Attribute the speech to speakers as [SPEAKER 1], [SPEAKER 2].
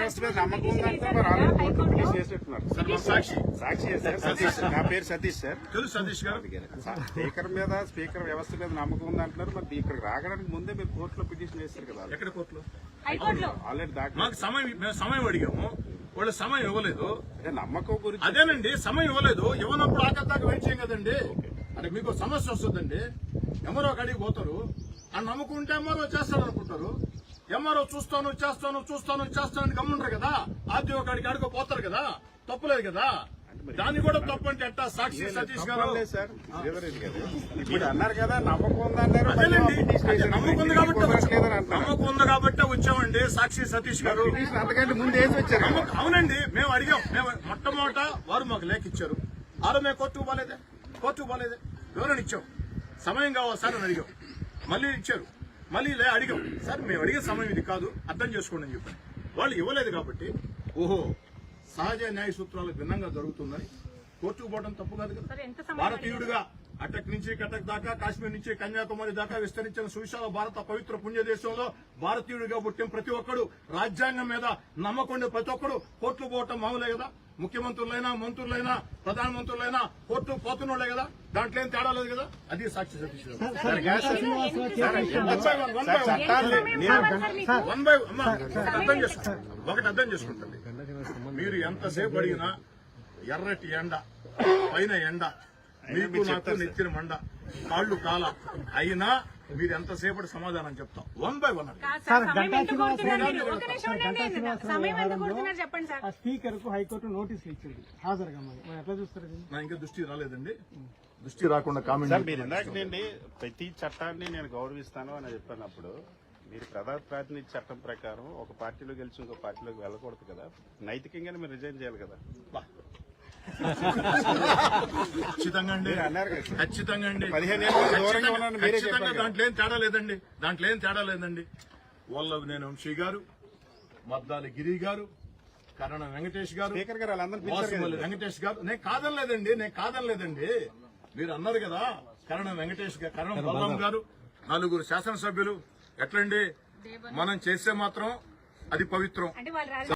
[SPEAKER 1] వ్యవస్థ మీద నమ్మకం ఉందంటే మరి ఆల్రెడీ కోర్టులో పిటిషన్ చేసేట్టున్నారు
[SPEAKER 2] సార్ మా సాక్షి
[SPEAKER 1] సార్ సతీష్, నా పేరు సతీష్ సార్.
[SPEAKER 2] తెలుసు సతీష్ గారు.
[SPEAKER 1] స్పీకర్ వ్యవస్థ మీద నమ్మకం ఉందంటున్నారు. మరి ఇక్కడికి రావడానికి ముందే మీరు కోర్టులో పిటిషన్ చేస్తారు కదా.
[SPEAKER 2] ఎక్కడ కోర్టులో
[SPEAKER 1] ఆల్రెడీ
[SPEAKER 2] మాకు సమయం అడిగాము, వాళ్ళు సమయం ఇవ్వలేదు.
[SPEAKER 1] నమ్మకం గురించి
[SPEAKER 2] అదేనండి, సమయం ఇవ్వలేదు. ఇవ్వనప్పుడు ఆకతాక వెయిట్ చేయం కదండి. అంటే మీకు సమస్య వస్తుందండి. ఎంఆర్ఓ కాడికి పోతారు, ఆ నమ్మకం ఉంటే ఎంఆర్ఓ చేస్తాడు అనుకుంటారు. ఎంఆర్ఓ చూస్తాను అని గమ్ముంటారు కదా. ఆర్టీఓ కాడికి ఆడుకో పోతారు కదా, తప్పులేదు కదా. దాన్ని కూడా తప్పు అంటే ఎట్టా? సాక్షి సతీష్ గారు
[SPEAKER 1] సార్ ఇప్పుడు అన్నారు కదా నమ్మకం ఉందన్నారు.
[SPEAKER 2] అదేనండి, నమ్మకం ఉంది కాబట్టి వచ్చామండి. సాక్షి సతీష్ గారు
[SPEAKER 1] అంతకంటే ముందు వేసి వచ్చారు.
[SPEAKER 2] అవునండి, మేము అడిగాం. మేము మొట్టమొదట వారు మాకు లేఖ ఇచ్చారు. ఆరో మేము కోర్టుకు పోలేదే వివరణ ఇచ్చాం. సమయం కావాలి సార్ అని అడిగాం, మళ్ళీ ఇచ్చారు. మళ్ళీ అడిగాం, సార్ మేము అడిగే సమయం ఇది కాదు, అర్థం చేసుకోండి అని చెప్పాను. వాళ్ళు ఇవ్వలేదు కాబట్టి ఓహో సహజ న్యాయ సూత్రాలకు భిన్నంగా జరుగుతుందని కోర్టుకు పోవడం తప్పు కాదు కదా. భారతీయుడిగా అటక్ నుంచి కటక్ దాకా, కాశ్మీర్ నుంచి కన్యాకుమారి దాకా విస్తరించిన సువిశాల భారత పవిత్ర పుణ్య దేశంలో భారతీయుడిగా పుట్టిన ప్రతి ఒక్కడు, రాజ్యాంగం మీద నమ్మకండి ప్రతి ఒక్కడు కోర్టుకు పోవటం మామూలే కదా. ముఖ్యమంత్రులైనా, మంత్రులైనా, ప్రధానమంత్రులైనా కోర్టుకు పోతున్నోళ్లే కదా. దాంట్లో ఏం తేడా లేదు కదా. అది సాక్షి సతీష్ ఒకటి అర్థం చేసుకుంటుంది. మీరు ఎంతసేపు అడిగినా ఎర్రటి ఎండ, పైన ఎండ, మీకు నాకు నెత్తిన మండ, కాళ్ళు కాల అయినా మీరు ఎంతసేపటి సమాధానం చెప్తాం. 1 by 1
[SPEAKER 3] స్పీకర్ కు హైకోర్టు నోటీసులు ఇచ్చింది హాజరుగా. ఎట్లా చూస్తారు?
[SPEAKER 2] నా ఇంకా దృష్టి రాలేదండి. దృష్టి రాకుండా కామెంట్.
[SPEAKER 1] మీరు ఇందాకనండి ప్రతి చట్టాన్ని నేను గౌరవిస్తాను అని చెప్పినప్పుడు మీరు ప్రధాన ప్రాతినిధ్య చట్టం ప్రకారం ఒక పార్టీలో గెలిచి ఇంకో పార్టీలోకి వెళ్ళకూడదు కదా. నైతికంగానే మీరు రిజైన్ చేయాలి కదా.
[SPEAKER 2] ఖచ్చితంగా అండి, ఖచ్చితంగా అండి.
[SPEAKER 1] 15 ఏళ్ళ దూరంగా ఉన్నాను మీరే
[SPEAKER 2] ఖచ్చితంగా
[SPEAKER 1] చెప్పారు.
[SPEAKER 2] దాంట్లో ఏం తేడా లేదండి. నేను వంశీ గారు, మద్దాలి గిరి గారు, కరణం వెంకటేష్ గారు,
[SPEAKER 1] స్పీకర్ గారు వాళ్ళందరూ
[SPEAKER 2] వాసుమల్లి వెంకటేష్ గారు. నేను కాదనలేదండి. మీరు అన్నారు కదా కరణం వెంకటేష్ గారు, కరణం బలరాం గారు, 4 శాసనసభ్యులు. ఎట్లండి మనం చేస్తే మాత్రం అది పవిత్రం.